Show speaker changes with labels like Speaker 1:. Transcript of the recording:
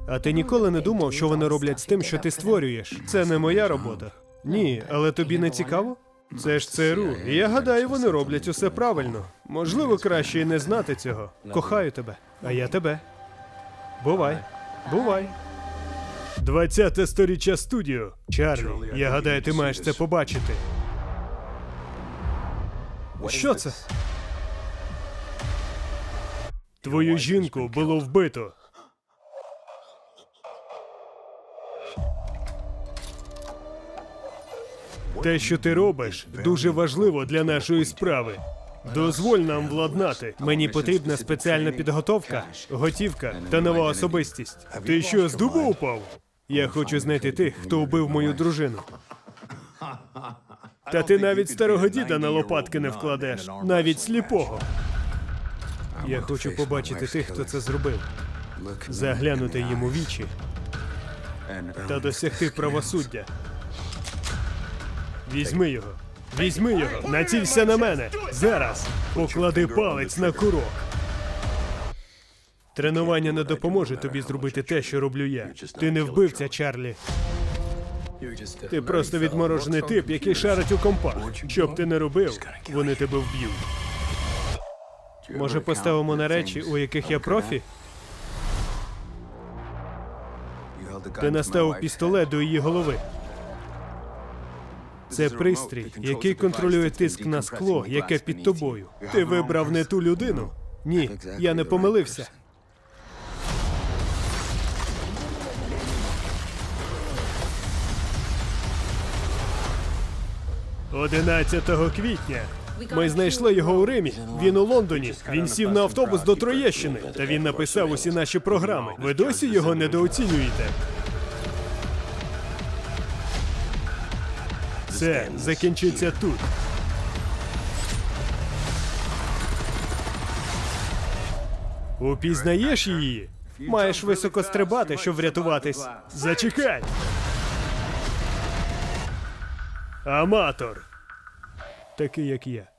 Speaker 1: А ти ніколи не думав, що вони роблять з тим, що ти створюєш? Це не моя робота. Ні, але тобі не цікаво? Це ж ЦРУ, і я гадаю, вони роблять усе правильно. Можливо, краще і не знати цього. Кохаю тебе, а я тебе. Бувай. Бувай. 20-те сторіччя студіо. Чарлі, я гадаю, ти маєш це побачити. Що це? Твою жінку було вбито. Те, що ти робиш, дуже важливо для нашої справи. Дозволь нам владнати. Мені потрібна спеціальна підготовка, готівка та нова особистість. Ти що, з дуба упав? Я хочу знайти тих, хто вбив мою дружину. Та ти навіть старого діда на лопатки не вкладеш, навіть сліпого. Я хочу побачити тих, хто це зробив, заглянути їм у вічі та досягти правосуддя. Візьми його. Візьми його. Націлься на мене. Зараз. Поклади палець на курок. Тренування не допоможе тобі зробити те, що роблю я. Ти не вбивця, Чарлі. Ти просто відморожений тип, який шарить у компах. Що б ти не робив, вони тебе вб'ють. Може, поставимо на речі, у яких я профі? Ти наставив пістолет до її голови. Це пристрій, який контролює тиск на скло, яке під тобою. Ти вибрав не ту людину. Ні, я не помилився. «11 квітня. Ми знайшли його у Римі. Він у Лондоні. Він сів на автобус до Троєщини. Та він написав усі наші програми. Ви досі його недооцінюєте? Це закінчиться тут. Упізнаєш її? Маєш високо стрибати, щоб врятуватись. Зачекай! Аматор. Такий, як я.